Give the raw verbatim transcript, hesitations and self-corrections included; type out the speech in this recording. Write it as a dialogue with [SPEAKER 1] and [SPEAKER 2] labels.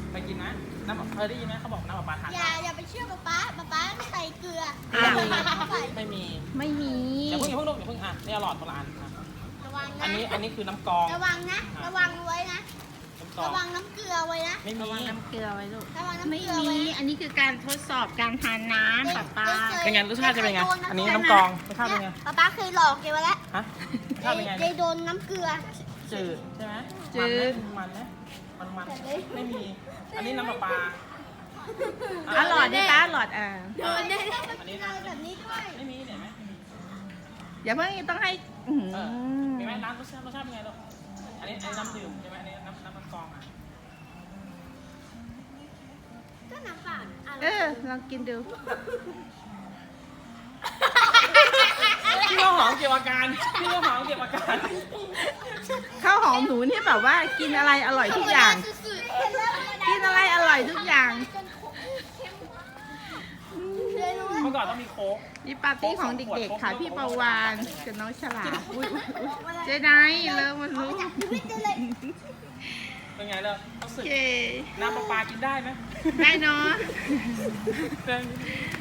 [SPEAKER 1] ไปกินนะน้ำเคยได้ยินไหมเขาบอกน้ำปลาปลาทาน
[SPEAKER 2] อย่าอย่าไปเชื่อป๊าป๊าป๊าป๊าใส่เกลือ
[SPEAKER 1] ไม่มี
[SPEAKER 2] เข้าไป
[SPEAKER 1] ไม่มี
[SPEAKER 3] ไม่มี
[SPEAKER 1] อย่าเพิ่งอย่าเพิ่งลูกอย่าเพิ่งอ่ะนี่หลอดโบราณอ่ะ
[SPEAKER 2] ระวัง
[SPEAKER 1] อั
[SPEAKER 2] นะ
[SPEAKER 1] นนี้อันนี้คือน้ำกรอง
[SPEAKER 2] ระวังนะ ระวังไว้นะ
[SPEAKER 1] น้ำกรอง
[SPEAKER 2] ระวังน้ำเกลือไว้นะ
[SPEAKER 1] ไม่มี
[SPEAKER 3] ระวังน้ำเกลือไว้ลูก
[SPEAKER 2] ระวังน้ำ
[SPEAKER 3] ไม่
[SPEAKER 2] เกลือ
[SPEAKER 3] มี
[SPEAKER 2] ไว้นะ
[SPEAKER 3] อันนี้คือการทดสอบการทานน้ำป๊าป๊า
[SPEAKER 1] เป็นไงรสชาติจะเป็นไงอันนี้น้ำกรองรสชาติเป็นไง
[SPEAKER 2] ป๊าป๊าเคยหลอกแกไว้แล้ว
[SPEAKER 1] ฮะรสชาติเป็นไง
[SPEAKER 2] ได้โดนน้ำเกลือ
[SPEAKER 1] จืดใช่ไหม
[SPEAKER 3] จืด
[SPEAKER 1] มันไหมมันไหมมันมันไม่มี อันนี้น้ำปลาปลา
[SPEAKER 3] อ่ะหลอดดิตาหลอดอ่า
[SPEAKER 2] โดนได้
[SPEAKER 1] อันนี้
[SPEAKER 2] อะไร
[SPEAKER 1] น้ำ
[SPEAKER 2] แบบนี้ด้วย
[SPEAKER 1] ไม่มีเห็นไหม
[SPEAKER 3] อย่าเพิ่งต้องให้อื้อหือ
[SPEAKER 1] เออมีไหมน้ำรสชาติรสชาติเป็นไงลูกอันนี้อันนี้น้ำดื่มใช่ไหมอันนี้น้ำน้ำน้ำกรองอ่ะ
[SPEAKER 2] ก็น้ำเปล่าอะไร
[SPEAKER 3] เออลองกินดู
[SPEAKER 1] พี่ข้าวหอมเกี่ยวอาการพี่ข้าวหอมเกี่ยวอาการ
[SPEAKER 3] ข้าวหอมหนูเนี่ยแบบว่ากินอะไรอร่อยทุกอย่าง
[SPEAKER 2] สุดๆเห็นแล้วมัน
[SPEAKER 3] กินอะไรอร่อยทุกอย่าง
[SPEAKER 2] เคยรู้
[SPEAKER 1] เมื่อก่อนต้องมีโค้ก
[SPEAKER 3] นี่ปาร์ตี้ของเด็กๆค่ะพี่ประวานกับน้องฉลาดอุ๊ยอุ๊ยอุ๊ยเจไดเลิกมันรู้
[SPEAKER 2] ชีวิตจะเลย
[SPEAKER 1] เป็นไงเลยรู้
[SPEAKER 3] โอ
[SPEAKER 1] สึก
[SPEAKER 3] เค
[SPEAKER 1] น้ำปลาปลากินได้ไหม
[SPEAKER 3] ได้เนาะ
[SPEAKER 1] เป็น